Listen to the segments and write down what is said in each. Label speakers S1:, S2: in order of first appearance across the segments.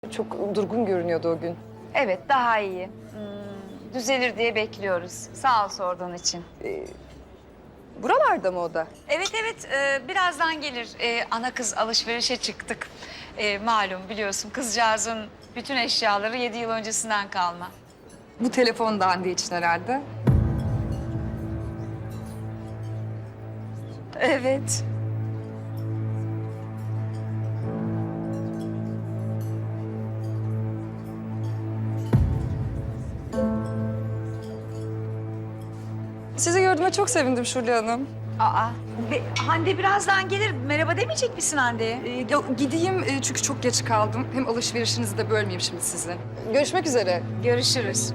S1: Çok durgun görünüyordu o gün.
S2: Evet, daha iyi. Düzelir diye bekliyoruz. Sağ ol sorduğun için.
S1: Buralarda mı o da?
S2: Evet, birazdan gelir. Ana kız alışverişe çıktık. Malum biliyorsun kızcağızın bütün eşyaları 7 yıl öncesinden kalma.
S1: Bu telefon da Hande için herhalde.
S2: Evet.
S1: Sizi gördüğüme çok sevindim Şule Hanım.
S2: Hande birazdan gelir. Merhaba demeyecek misin Hande'ye?
S1: Gideyim çünkü çok geç kaldım. Hem alışverişinizi de bölmeyeyim şimdi sizi. Görüşmek üzere.
S2: Görüşürüz.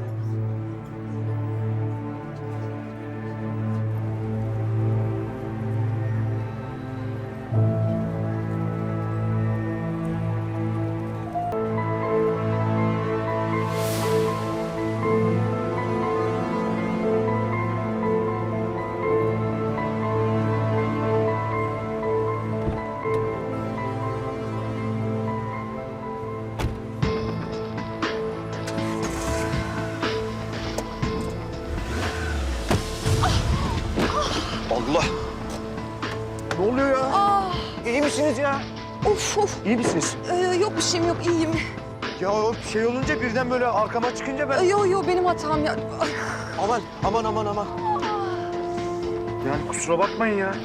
S3: Allah! Ne oluyor ya? İyi misiniz ya?
S1: Of.
S3: İyi misiniz?
S1: Yok bir şeyim yok, iyiyim.
S3: Ya o şey olunca birden böyle arkama çıkınca ben...
S1: Yo benim hatam ya. Ay.
S3: Aman. Yani kusura bakmayın ya.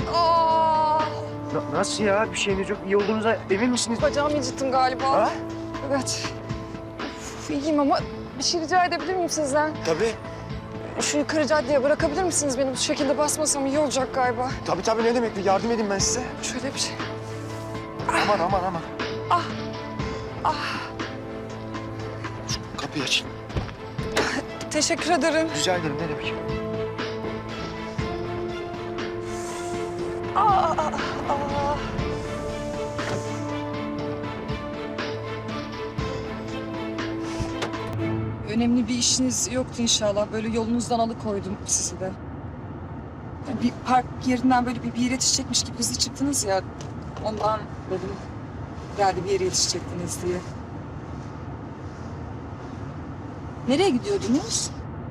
S3: Nasıl ya? Bir şeyiniz yok. İyi olduğunuza emin misiniz?
S1: Bacağımı incittim galiba.
S3: Ha?
S1: Evet. İyiyim ama bir şey rica edebilir miyim sizden?
S3: Tabii.
S1: Şu yukarı caddeye bırakabilir misiniz beni? Bu şekilde basmasam iyi olacak galiba.
S3: Tabii ne demek? Bir yardım edeyim ben size.
S1: Şöyle bir şey.
S3: Aman.
S1: Ah.
S3: Şu kapıyı açın.
S1: Teşekkür ederim.
S3: Rica ederim. Ne demek?
S1: Ah. Önemli bir işiniz yoktu inşallah. Böyle yolunuzdan alıkoydum sizi de. Bir park yerinden böyle bir yere yetişecekmiş gibi hızlı çıktınız ya. Ondan dedim geldi bir yere yetişecektiniz diye. Nereye gidiyordunuz?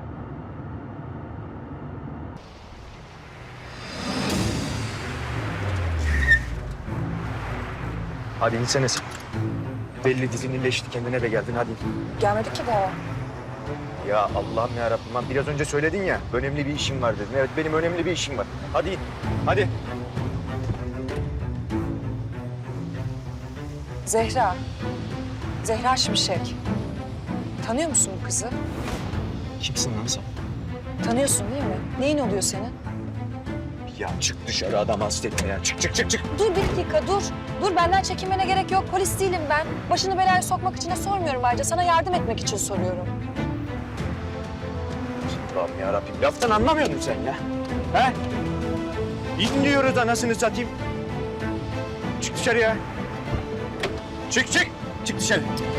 S3: Hadi insene sen. Belli dizin iyileşti. Kendine de geldin. Hadi.
S1: Gelmedik ki daha.
S3: Ya Allah'ım yarabbim. Lan biraz önce söyledin ya. Önemli bir işim var dedin. Evet benim önemli bir işim var. Hadi in. Hadi.
S1: Zehra. Zehra Şimşek. Tanıyor musun bu kızı?
S3: Kimsin lan sen?
S1: Tanıyorsun değil mi? Neyin oluyor senin?
S3: Ya çık dışarı adam hasta etme ya. Çık.
S4: Dur bir dakika dur. Dur benden çekinmene gerek yok. Polis değilim ben. Başını belaya sokmak için de sormuyorum ayrıca. Sana yardım etmek için soruyorum.
S3: Allah'ım yarabbim. Laftan anlamıyor musun sen ya? He? İn diyoruz anasını satayım. Çık dışarıya. Çık. Çık dışarı.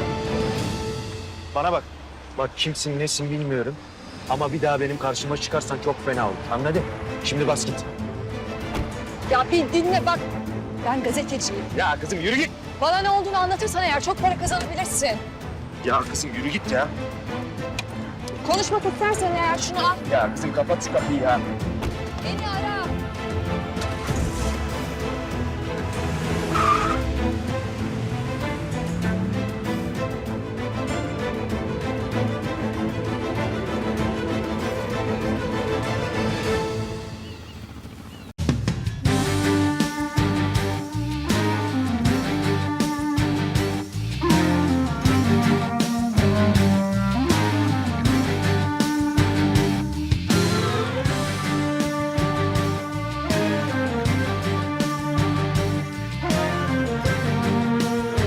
S3: Bana bak. Bak kimsin nesin bilmiyorum. Ama bir daha benim karşıma çıkarsan çok fena olur. Anladın? Şimdi bas git.
S4: Ya bir dinle bak. Ben gazeteciyim.
S3: Ya kızım yürü git.
S4: Bana ne olduğunu anlatırsan eğer çok para kazanabilirsin.
S3: Ya kızım yürü git ya.
S4: Konuşmak istersen eğer şunu al.
S3: Ya kızım kapat şu kapıyı ya.
S4: Beni ara.